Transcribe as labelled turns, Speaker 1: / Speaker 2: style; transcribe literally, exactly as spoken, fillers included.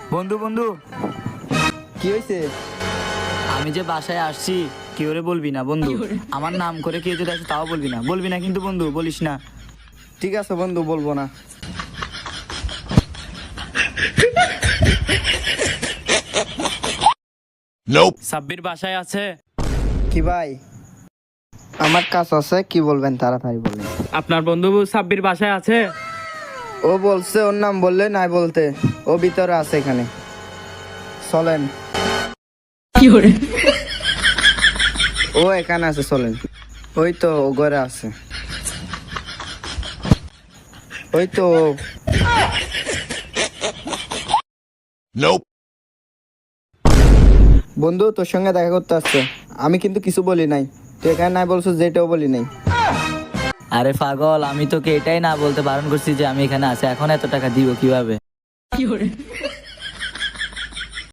Speaker 1: বন্ধু বন্ধু
Speaker 2: কি হয়েছে?
Speaker 1: আমি যে বাসায় আসছি কি করে বলবি না বন্ধু। আমার নাম করে কেউ যদি আসে তাও বলবি না, বলবি না কিন্তু বন্ধু, বলিস না।
Speaker 2: ঠিক আছে বন্ধু, বলবো না।
Speaker 3: সাব্বির বাসায় আছে?
Speaker 2: কি ভাই, আমার কাজ আছে, কি বলবেন তাড়াতাড়ি বলেন।
Speaker 3: আপনার বন্ধু সাব্বির বাসায় আছে?
Speaker 2: ও বলছে ওর নাম বললে নাই বলতে, ও ভিতরে আছে এখানে, চলেন। ও এখানে আছে, চলেন। ওই তো ও ঘরে আছে, ওই তো। বন্ধু তোর সঙ্গে দেখা করতে আসছে, আমি কিন্তু কিছু বলি নাই, তুই এখানে নাই বলছো যেটাও বলি নাই।
Speaker 1: আরে পাগল, আমি তোকে এটাই না বলতে বারণ করছি যে আমি এখানে আছি। এখন এত টাকা দিব কিভাবে?